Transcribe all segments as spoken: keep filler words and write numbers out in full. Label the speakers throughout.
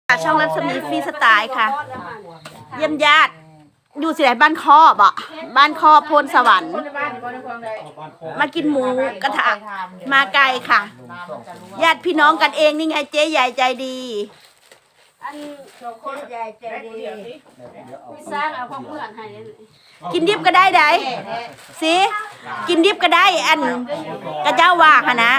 Speaker 1: ช่องรัศมีฟรีสไตล์ค่ะเยี่ยมญาติอยู่สิไหนบ้านคอบ่บ้านคอโพนสวรรค์มากินหมูกระทะมาไกลค่ะญาติพี่น้องกันเองนี่ไงเจ๊ใหญ่ใจดี
Speaker 2: อันคนใหญ่ใจดีพี่สร้างเอาของเพื่อนให้
Speaker 1: กินดิบก็ได้ได้สิกินดิบก็ได้อันกระเจ้าว่าค่ะนะ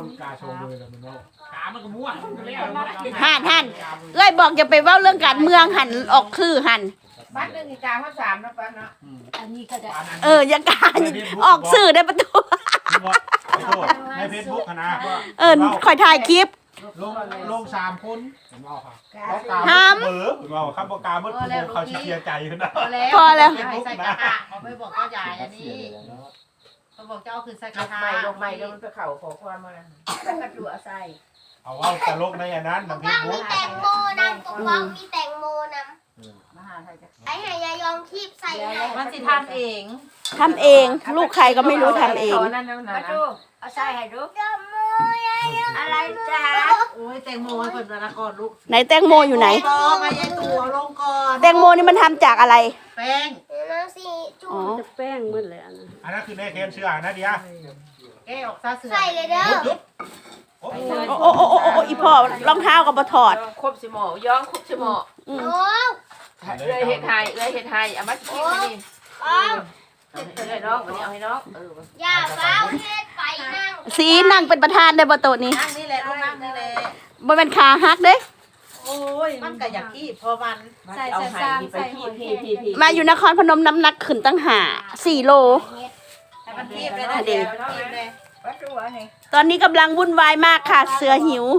Speaker 1: หันหันเอ้ยบอกอย่าไปเว้าเรื่องการเมืองหันออกคือหัน
Speaker 3: บ้านหนึ่งอีกาข้าวสามนะป้าเนาะ
Speaker 2: อันนี้ก็ได้
Speaker 1: เออยังการออกสื่อได้ประตู
Speaker 4: ในเฟซบุ๊กนะ
Speaker 1: เออคอยถ่ายคลิป
Speaker 4: ลงลงสามคน
Speaker 1: ห้าม
Speaker 4: เบอร์เราข้ามปากกาเมื่อคุณเขาเชียร์ใจขึ้นนะ
Speaker 1: พอแล้ว
Speaker 3: ใส่กระทะเขาไม่บอกเจ้าใหญ่อันนี้เขาบอกเจ้าคือใส่กระทะไม่ลงไม่แล้วมันไปเข่าขอความมาแล้วก็ดูอาศัย
Speaker 4: เอาว่าตลกในอันนั้นในเฟซบุ๊ก
Speaker 5: แตงโมนำกกองมีแตงโมนำไอ้หายายองคีบใส่
Speaker 3: มันสิทำเอง
Speaker 1: ทำเองลูกใครก็ไม่รู้ทำเอง
Speaker 3: มาดู
Speaker 2: เอาใส่ให้ดู
Speaker 5: แตงโมยายอง
Speaker 2: อะไรจ้า
Speaker 3: โอ้ยแตงโมให้คนละก่อนลูก
Speaker 1: ไหนแตงโมอยู่ไหน
Speaker 3: ต่อมายัยตัวลงก่อน
Speaker 1: แตงโมนี่มันทำจากอะไร
Speaker 3: แป้ง
Speaker 5: น้ำสีจุ่ม
Speaker 2: จะแป้งมืดเลยอันนั้น
Speaker 4: อันนั้นคือแม่เคนเชื่อนะเดีย
Speaker 3: แกออกซาเสือ
Speaker 5: ใส่เลยเด้อ
Speaker 1: โอ้โอ้โอ้โอ้อีพ่อรองเท้ากับบะถอด
Speaker 3: ครบสิหมอย่องครบสิหมอ
Speaker 5: โอ้
Speaker 3: เลยเห็ดไทยเลยเห็ดไทยเอามากินนี่
Speaker 5: อ๋อ
Speaker 3: ให้น้องวันนี้เอาให้น้องเอ
Speaker 5: อย่าเฝ้าเฮ็ดไปนั่ง
Speaker 1: สีนั่งเป็นประธานได้บ่โต๊ะนี้
Speaker 3: นั่งนี่แหละลูกนั่งนี่แหละ
Speaker 1: บ่เป็นขาฮักเด้
Speaker 3: โอ้ยมันก็อยากขี้พอมัน
Speaker 2: ใส่ใส่ซ้ำใส่หอยพี่พี่พี่
Speaker 1: มาอยู่นครพนมน้ำหนักขึ้นตั้งหาสี่โล
Speaker 3: ให้มันทีบเลยนะเดี๋ยวมันทีบเลย
Speaker 1: ตอนนี้กำลังวุ่นวายมากค่ะเสือหิว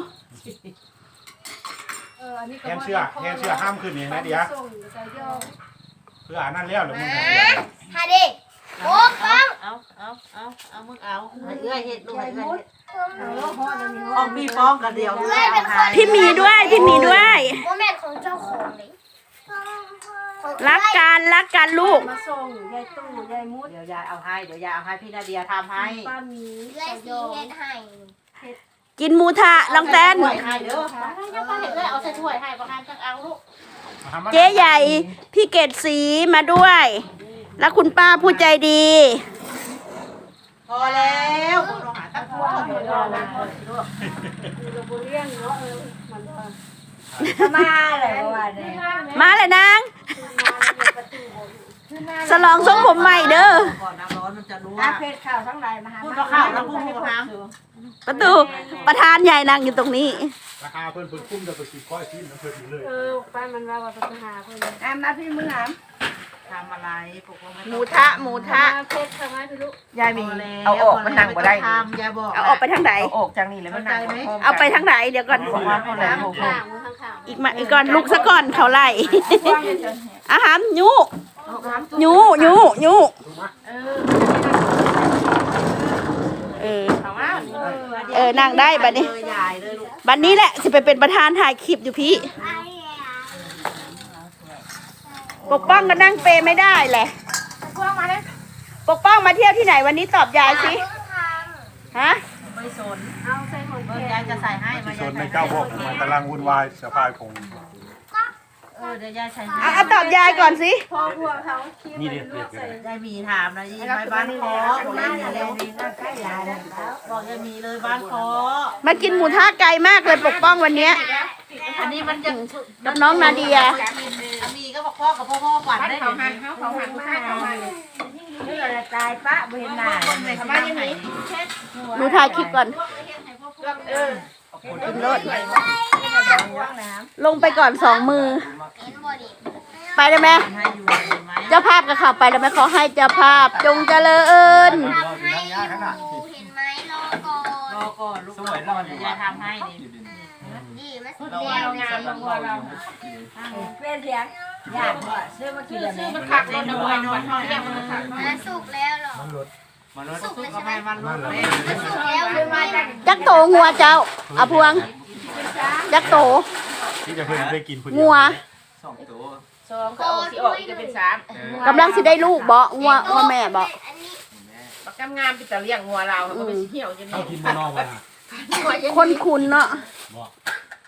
Speaker 4: แคนเชื่อแคนเชื่อห้ามขึ้นนี่นะเดียเพื่ออันนั้นเลี้ยวหรือมึง
Speaker 5: ฮะดิโอ้ฟัง
Speaker 3: เอาเอาเอาเอามึงเอาเอื้อยเห็ดลูกเอื้อยเห็ดออกมีฟ้องกันเดียว
Speaker 1: พี่มีด้วยพี่มีด้วย
Speaker 5: โมเมนต์ของเจ้าของเลย
Speaker 1: รักกันรักกันลูก
Speaker 2: มาส่งยายตู้ยายมุด
Speaker 3: เดี๋ยวยายเอาให้เดี๋ยวยายเอาให้พี่นาเดียทำให้
Speaker 2: ป้ามี
Speaker 5: เลื่อยสีเฮ็ดให้
Speaker 1: กินหมูทะลองแตน
Speaker 3: ให้เด้อยังป้าเห็นเลยเอาใส่ถ้วยให้ประทานจังเอาลูก
Speaker 1: เจ๊ใหญ่พี่เกดสีมาด้วยแล้วคุณป้าผู้ใจดี
Speaker 3: พอแล้วเราหาตั้งพวกเดี๋ยวเรา
Speaker 2: เราบุเรียนเนาะเออมันมาเลยวันนี้
Speaker 1: มาเลยนางสลองทรงผมใหม่เด้อ
Speaker 3: ก่อนน้ำร้อนมันจะรู้
Speaker 2: อาเพชรข่าวทั้งหลายมาหา
Speaker 3: พูดข่าวแล้วพูดให้ฟัง
Speaker 1: ประตูประธานใหญ่นั่งอยู่ตรงนี้
Speaker 4: ราคาเพิ่นเพิ่นคุ้มจะไปสิบก้อยชิ้นน้ำเพิ่นอยู่เลย
Speaker 2: เออป้ามันว่าว่าไปหาเพิ่น
Speaker 3: อามนะพี่มือหามทำอะไรปก
Speaker 1: หมูทะหมูทะ
Speaker 2: เพชรทำไมพี่ลูก
Speaker 3: ยายมีเอาออกมันนั่งบ่ได้ยายบอก
Speaker 1: เอาออกไปทางไหน
Speaker 3: เอาออกจากนี่แล้วมันนั่ง
Speaker 1: เอาไปทางไหนเดี๋ยวก่อน
Speaker 3: บอกว่าคนละหก
Speaker 1: อีกมาอีกก่อนลูกซะก่อนเขาไล่อาหารยูยูยูยูเออเออนั่งได้บัดนี้บัดนี้แหละสิไปเป็นประธานถ่ายคลิปอยู่พี่ปกป้องก็นั่งเปไม่ได้แหละปกป้องมาเที่ยวที่ไหนวันนี้ตอบยายสิฮะ
Speaker 3: ไม่สนเอาใส่ของยายจะใส่ให้
Speaker 4: มาสนในเจ้าบอกมันกำลังวุ่นวายสะพายคง
Speaker 3: เออเดี๋ยวยายใส่
Speaker 1: อ่ะตอบยายก่อนสิ
Speaker 2: พ่อพวกเขา
Speaker 4: นี่เด็กเด็ก
Speaker 3: ยายมีถามนะยายไปบ้านคอบอกยายมีเลยบอกยายมีเลยบ้านคอ
Speaker 1: มากินหมูทะไกลมากเลยปกป้องวันนี้
Speaker 3: อันนี้มันจะ
Speaker 1: กับน้องนาเดีย
Speaker 3: มีก็บอกพ่อกับพ่อพ่อขวัญได้เขาหันเขาเขาหันมาเขาหัน
Speaker 2: นี่เราตายปะเห็นหน้า
Speaker 1: หนูถ่ายคลิปก่อนกินรถลงไปก่อนสองมือไปได้ไหมเจ้าภาพกับข่าวไปได้ไหมขอให้เจ้าภาพจงเจริญ
Speaker 5: ทำให้อยู่เห็นไหมรอก่อน
Speaker 3: รอก่อนลูกสวยรอจะทำให้ดิ
Speaker 5: ดีมาสุดแล้วงานของเรา
Speaker 2: เป็นเสียงอยากซื้อมากิน
Speaker 3: ซื้อมันขักเลยนะบอยนอนเที่ยงมันขัก
Speaker 5: มาสุกแล้วหรอ
Speaker 3: มันรถสุกก็ไม่มันรถเลย
Speaker 5: สุกแล้วคือมาจาก
Speaker 1: จักโตงัวเจ้าอาพวงจักโต
Speaker 4: ที่จะเพิ่นได้กิน
Speaker 1: งัว
Speaker 3: สองตัวสองก็ออกสิออกอีกจะเป็นสาม
Speaker 1: กำลังสิได้ลูกบ่งัวงัวแม่บ่
Speaker 3: บักกำงามไปแต่เลี้ยงงัวเราเขาก็ไปเที่ยวจะนี่
Speaker 4: กินมานอกมา
Speaker 1: คนคุณเนาะ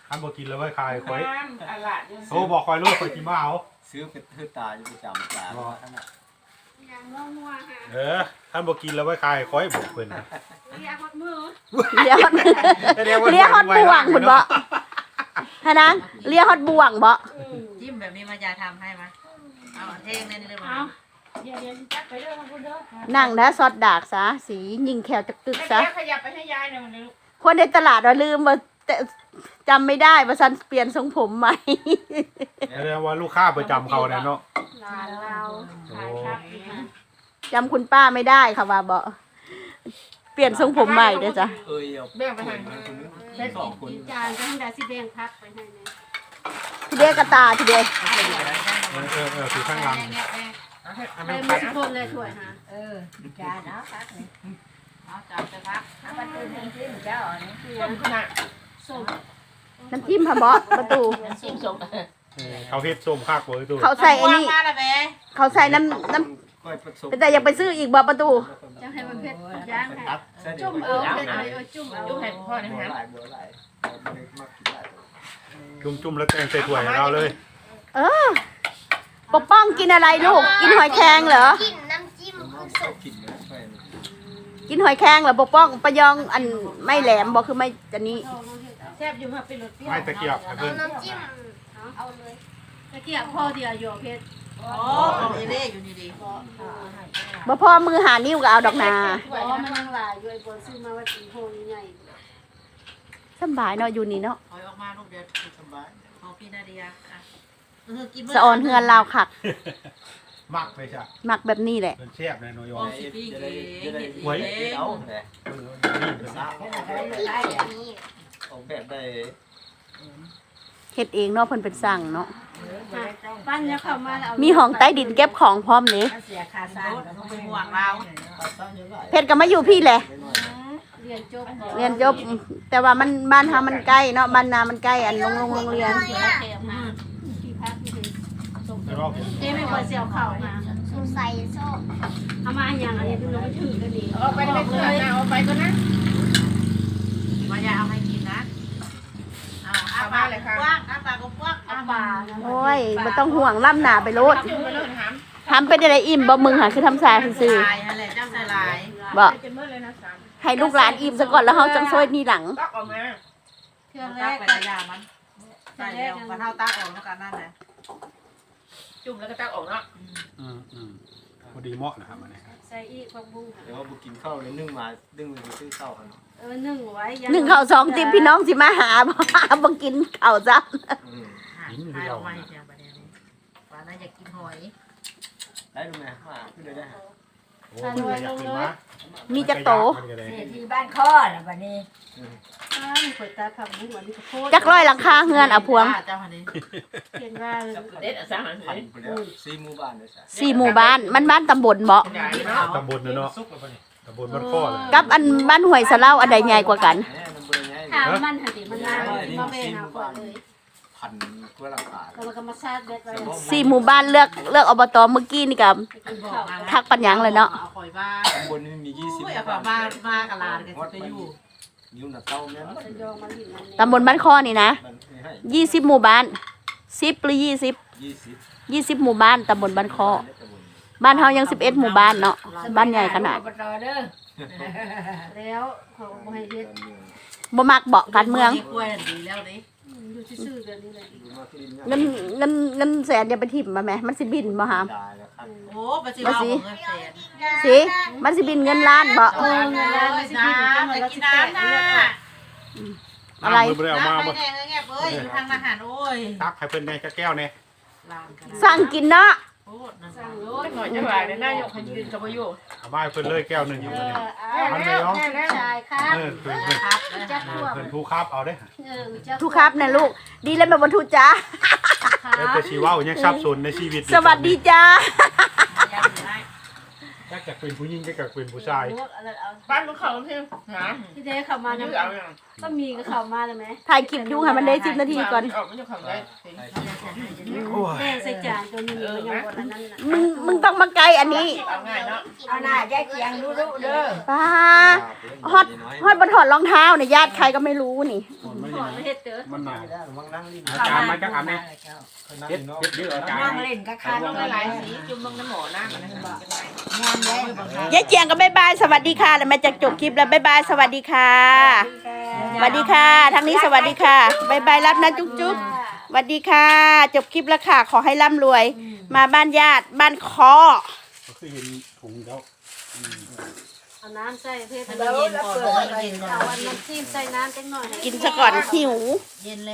Speaker 4: ท่านบอกกินแล้วไว้คายคอย
Speaker 3: อันละ
Speaker 4: โอ้บอกคอยลูกคอยกินมาเอา
Speaker 6: ซื้อเป็นทื่อตาอยู่ประจำตาเพราะว่าท่านน่ะ
Speaker 2: อย่างน้องนัวฮะ
Speaker 4: เออท่านบอกกินแล้วไว้คายคอยบอกเพิ่นนะ
Speaker 2: เรียกฮอดมือ
Speaker 1: เลี้ยฮอดเลี้ยฮอดบ่วงคุณบ่ฮะนะเลี้ยฮอดบ่วงบ่
Speaker 3: จิ้มแบบนี้มายาทำให้ไหมเอาเท่งนี่เลยมา
Speaker 2: เอาเดี๋ยวเดี๋ยวจับไปเด้อคุณเด้อ
Speaker 1: นั่งนะซอดดากซะสียิงแขวจักตึกซะ
Speaker 3: ขยับไปให้ยายหน่อยนึง
Speaker 1: คนในตลาดว่าลืมว่าแต่จำไม่ได้ว่าฉันเปลี่ยนทรงผมใหม่
Speaker 4: แสดงว่าลูกค้าประจำเขาเนี่ยเนาะ
Speaker 2: หลานเราขายครับอีกนะ
Speaker 1: จำคุณป้าไม่ได้ค่ะว่าบ่เปลี่ยนทรงผมใหม่เด้อจ้ะ
Speaker 6: เอ้ยเอา
Speaker 3: แบ่งไปให้
Speaker 6: คนนึง
Speaker 2: แล้ว
Speaker 6: สองคน
Speaker 2: กินจานก็ให้ได้สิแดงพักไปให้เลย
Speaker 1: ทีเดียวกระตาทีเดียว
Speaker 4: เออเออเออถือข้างหลัง
Speaker 2: ไปหมดทุกคนเลยถ้วยฮะ
Speaker 3: เออจานเนาะพักนี่เอาจานไปพักเอาไปตื่นให้จิ้มเจ้าอันนี้ต้มขนาด
Speaker 2: ส้ม
Speaker 1: น้ำจิ้มค่ะบอสประตู
Speaker 3: จิ้มส้ม
Speaker 4: เออเขาเฮ็ดส้มคักเว้ยตัว
Speaker 1: เขาใส่ไอ้นี่
Speaker 3: มาละแม่
Speaker 1: เขาใส่น้ำน้
Speaker 6: ค่อยผสม
Speaker 1: ำแต่อยากไปซื้ออีกบ่ประตู
Speaker 2: จะให้มันเผ็ดย่างให้
Speaker 6: ตัดเส้น
Speaker 2: จุ่มเอาเผ็ดเอาเอาจุ่มเอา
Speaker 3: จุ่มให้พ่อนี่
Speaker 6: บัว
Speaker 3: ฮะ
Speaker 6: หลายบัวหลายเอาไปมากกินหลายตัว
Speaker 4: จุ่มจุ่มๆแล้วแกงใส่ถ้วยให้เราเลย
Speaker 1: เออปกป้องกินอะไรลูก กินหอยแครงเหรอ
Speaker 5: กินน้ำจิ้ม
Speaker 6: น้
Speaker 5: คือ
Speaker 6: อง
Speaker 5: สุ
Speaker 6: เขา
Speaker 5: ก
Speaker 6: กินเลยช่วย
Speaker 1: กินหอยแครงเหรอปกป้องปะยองอันไม่แหลมบ่คือไม่อันนี้
Speaker 2: แซ่บอยู่ค่ะเป็นรสเปรี้ยว
Speaker 4: ไม่ตะเกียบให้
Speaker 5: เอา
Speaker 4: เพิ่น
Speaker 5: น้ำจิ้มเอาเลย
Speaker 2: ตะเกียบพ่อเดียวโยเผ็ด
Speaker 3: โอ้ยเล่อยู่นี่ดิ
Speaker 1: บ่พอมือหานิ้วก็เอาดอกนา
Speaker 2: อ๋อมันยังหลายอยู่ไอ้บนซื้อมาว่าตีโฮงใหญ่
Speaker 1: สำบายเนาะอยู่นี่เนาะ
Speaker 3: ถอยออกมาลูกเดียว
Speaker 6: สบาย
Speaker 3: ของพี่นาเดียอ่ะเออกิน
Speaker 1: สะออนเฮือนลาวคัก
Speaker 4: มักเลยจ้ะ
Speaker 1: มักแบบนี้แหละ
Speaker 4: เพิ่นแซ่บแน่นอนยอ
Speaker 3: โอ้
Speaker 4: ม
Speaker 3: สิพี่
Speaker 6: จะ
Speaker 3: เอ
Speaker 6: ได้จะได้
Speaker 3: ง
Speaker 6: ไว้เอาแหละ
Speaker 4: เออนี่เพิ่น
Speaker 6: สาว
Speaker 5: ที่นี่
Speaker 6: ออกแบบได้
Speaker 1: เฮ็ดเองเนาะเพิ่นเป็นสั่งเนาะ
Speaker 2: ปั้นแล้วเข้ามาแล้ว
Speaker 1: มีห้องใต้ดินเก็บของพร้อมนี่
Speaker 3: เสียค่าสร้างต้องเป็นห่วงเรา
Speaker 1: เพชรก็มาอยู่พี่แหละ
Speaker 2: เรียนจบ
Speaker 1: เรียนจบแต่ว่ามันบ้านเฮามันใกล้เนาะบ้านนามันใกล้อันโรงโรงโรงเรียน
Speaker 2: ที่พักที่เป็นส้ม
Speaker 4: แต่ว่าผม
Speaker 2: เจ๊ไม่ควรเสียวเข่ามา
Speaker 5: สูใส่โซ่
Speaker 2: เอามาอย่างอันนี้ดูเราไม่ถือกันดี
Speaker 3: เอาไปเลยเอาไปก็นะมายาเอาให้กินนะเอาอาปากเลยค่ะกว้างอาปากก็กว้าง
Speaker 2: เอาปลา
Speaker 1: โอ้ยบ่ต้องห่วงล่ำหนาไปโลด
Speaker 3: จิ้มไปเลยถาม
Speaker 1: ทำเป็นอะไรอิ่มบ่มึงหาคือทำสายซื่อ
Speaker 3: ลายอะไรเจ้าใส่ลาย
Speaker 1: ๆบ่
Speaker 3: เป็นเมื่อเลยนะสาม
Speaker 1: ให้ลูกหลานอิ่มซะก่อนแล้วเฮาจังช่วยนี่หลัง
Speaker 3: ตักออกมา
Speaker 2: เครื่องแร
Speaker 3: ตัก
Speaker 2: ก
Speaker 3: ไปยามันใส่แล้วมันเท่าตักออกแล้วกันนั่นแหละจุ่มแล้วก็ตักออกเนาะ
Speaker 4: อืมอืมพอดีเหมาะนะครับอันนี้
Speaker 2: ใส่อีกผักบุ้ง
Speaker 6: เดี๋ยวว่าบุกินข้าวเลยนึ่งมานึ่งไปซื้อข้าวกัน
Speaker 2: เออนึ่งไว้
Speaker 1: หนึ่งข้าวสองติมพี่น้องสิมาหาบ่บ่กินข้าวซ้ำ
Speaker 6: อืม
Speaker 3: ใส่ออกมาอย่างประเด็นนี้ว่าน่าอยากกินหอย
Speaker 6: ได้ดูไหมมาขึ้นเลยได้
Speaker 4: โอ้ยอยากขึ้นมา
Speaker 1: มีจักโต
Speaker 4: มันก็ได้
Speaker 3: ที่บ้านข้อนะวันนี้
Speaker 2: อ้าวเปิดตาผักบุ้งอันนี้ก็โคตร
Speaker 1: จักร้อยหลังคาเฮือนเอาพวง
Speaker 3: เจ้าพันนี้
Speaker 2: เห็นว่า
Speaker 3: เด็ดสามหัน
Speaker 6: พันไปแล้วซีหมู่บ้านเลยจ้ะ
Speaker 1: สี่หมู่บ้านมันบ้านตำบลบ่
Speaker 3: ใหญ่เนาะ
Speaker 4: ตำบลเนอะเนาะตำบลบ้านข้อเลย
Speaker 1: กับอันบ้านห้วยสะเล่าอันใดใหญ่กว่ากัน
Speaker 6: แน่น้ำเบอร์ไง
Speaker 2: ถามมันหันดิมันน่ามาเบนเอาก่อนเลย
Speaker 6: พันกว่าหลังคา
Speaker 2: แล้วมันก็มาซาดเด็ดไว้
Speaker 1: สี่หมู่บ้านเลือกเลือกอบตเมื่อกี้นี่กับ
Speaker 2: กินข้าว
Speaker 1: ทักปัญญังเลยเนาะ
Speaker 3: เอาข่อยบ้า
Speaker 6: ตำบลนี้มียี่สิบ
Speaker 3: อุ้ยเอาข่อยบ้าบ้ากะลากันจะอยู่
Speaker 6: นิ้วหนักเต้าแม่น
Speaker 2: จะยองมันหินมัน
Speaker 1: ตำบลบ้านข้อนี่นะ
Speaker 6: มันไม่ให้
Speaker 1: ยี่สิบหมู่บ้านสิบหรือยี่สิบ
Speaker 6: ยี่สิบ
Speaker 1: ยี่สิบหมู่บ้านตำบลบ้านข้อบ้านเฮายังสิบเอ็ดหมู่บ้านเนาะบ้านใหญ่ขนาด
Speaker 2: แล้วเขาบ่ให้เฮ็ด
Speaker 1: บ่มักเบาะการเมือง
Speaker 3: กล้วยดีแล้วดิ
Speaker 2: อยู่ซื่อๆกันนี่แหละ
Speaker 6: ดูมาขึ้น
Speaker 1: เงินเงินเงินแสนอย่าไปถิ่มมาแหมมันสิบินบ่หาม
Speaker 6: ได้แล้วครับ
Speaker 3: โอ้ปฏิวัติของเงินแสน
Speaker 1: สิมันสิบินเงินล้านบ่
Speaker 3: เออน้ำจะกินน้ำนะ
Speaker 1: อะไร
Speaker 4: น้ำเพิ่นบ่ได้เอามา
Speaker 3: น้ำ
Speaker 4: บ่
Speaker 3: ไปแดงเงี้ยเอ้ยทางอาหารโอ้ย
Speaker 4: ตักให้เพิ่นได้จักแก้วแน่
Speaker 3: ลามกัน
Speaker 1: สั่งกินเนาะ
Speaker 3: โอ้นั่น
Speaker 2: สั่งรถ
Speaker 3: หน่อยจะว่าในหน้ายกให้ยืนกับประโยชน์
Speaker 4: เอามาให้เพิ่นเลยแก้วหนึงอยู่
Speaker 2: เอ
Speaker 4: บัดนี้
Speaker 2: อเอาแล้วชายครับ
Speaker 4: เออเพิ่นเพิ่น
Speaker 3: ครับ
Speaker 2: จักพวก
Speaker 4: เพิ่นผู้ครับเอาเด้
Speaker 2: เออจัก
Speaker 1: ทุกครับนะลูก ดีแล้วแม่บรรทุจ้า
Speaker 4: แล้วแต่ชีว่ายังสับสนในชีวิต
Speaker 1: สวัสดีจ้า
Speaker 4: จักจะเป็นผู้หญิงจักจะเป็นผู้ชาย
Speaker 3: บ้านมันเขาเพียงนะ
Speaker 2: ที่เด้เข้ามา
Speaker 3: ยื
Speaker 2: นะ
Speaker 3: ดเอาอย่าง
Speaker 2: ก็มีก็เข้ามาแล้วไหม
Speaker 1: ถ่ายคลิปอยู่ให้มันได้สิบนาทีก่อน
Speaker 3: ออกมันจะขังได้
Speaker 6: ใช่
Speaker 2: แม่ใส่จานตัวนี้มันยังบ่อันนั้นน่ะ
Speaker 1: มึงมึงต้องมาไกลอันนี้
Speaker 3: เอาง่ายเนาะ
Speaker 2: เอาหน้าแยกเคียงดูดูเด้อ
Speaker 1: ป้าฮอดฮอดบนถอดรองเท้าเนี่ยญาติใครก็ไม่รู้นี่
Speaker 4: มัน
Speaker 2: ขอเฮ็ดเด้อ
Speaker 4: มันหนา
Speaker 6: วังนั่งลิ้น
Speaker 4: อาจารย์มาจากอันนี้เด็ดเด็ดเยอะอาจารย์
Speaker 2: นั่งเล่นกับคา
Speaker 3: ลงหลายๆสีจุ่มลงน้ำหมอน้ำมันนะครับ
Speaker 2: งานเลย
Speaker 1: ยายเจียงก็บายบายสวัสดีค่ะแล้วมาจากจบคลิปแล้วบายบายสวัสดีค่ะสวัสดีค่ะทางนี้สวัสดีค่ะบายบายรับนะจุ๊บจุ๊บสวัสดีค่ะ จบคลิปแล้วค่ะ ขอให้ร่ำรวย มาบ้านญาติบ้านคอ
Speaker 4: ก็คือเห็นถุงแล้ว
Speaker 2: เอาน้ำใส่เพชร
Speaker 3: ให้มันเย็นก่อนให้มันเย็นก่อน
Speaker 2: เอาอันน้ำจิ้มใส่น้ำจังหน่อย
Speaker 1: กินซะก่อนหิว
Speaker 3: เย็นแล้ว